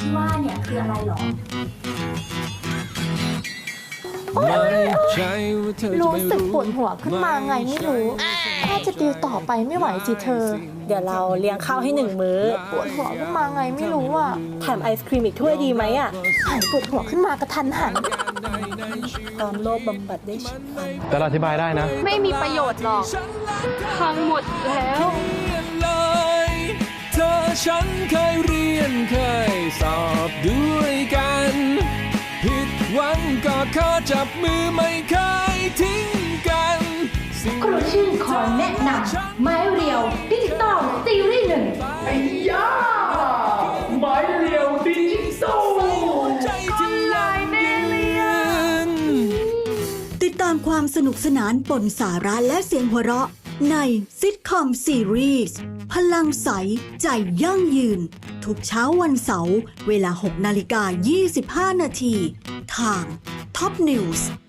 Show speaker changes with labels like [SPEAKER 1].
[SPEAKER 1] ที่ว่าเนี่ยคืออะไรหรอ
[SPEAKER 2] รู้สึกปวดหัวขึ้นมาไงไม่รู้ถ้าจะดิวต่อไปไม่ไหวสิเธอ
[SPEAKER 3] เดี๋ยวเราเลี้ยงข้าวให้1 มื้อ
[SPEAKER 2] ปวดหัวขึ้นมาไงไม่รู้อ่ะ
[SPEAKER 3] แถมไอศครีมอีกถ้วยดีไหมอ่ะ
[SPEAKER 2] หายปวดหัวขึ้นมากระทันหัน
[SPEAKER 3] ความโลภบำบัดได้ฉับพลัน
[SPEAKER 4] แต่เราอธิบายได้นะ
[SPEAKER 5] ไม่มีประโยชน์หรอกพังหมดแล้ว
[SPEAKER 6] เธอฉันเคยเรียนเคยสอบด้วยกันผิดหวังก็ขอจับมือไม่เคยทิ้งกัน
[SPEAKER 1] ครูชื่อขอแนะนำไม้เรียวดิจิตอลซีรีส์1ไอ้ย่าไม้เรียวดิจิตอลคนลายแม่เรียน
[SPEAKER 7] ติดตามความสนุกสนานปนสาระและเสียงหัวเราะในซิทคอมซีรีส์พลังใสใจยั่งยืนทุกเช้าวันเสาร์เวลา 6:25 นาทีทาง Top News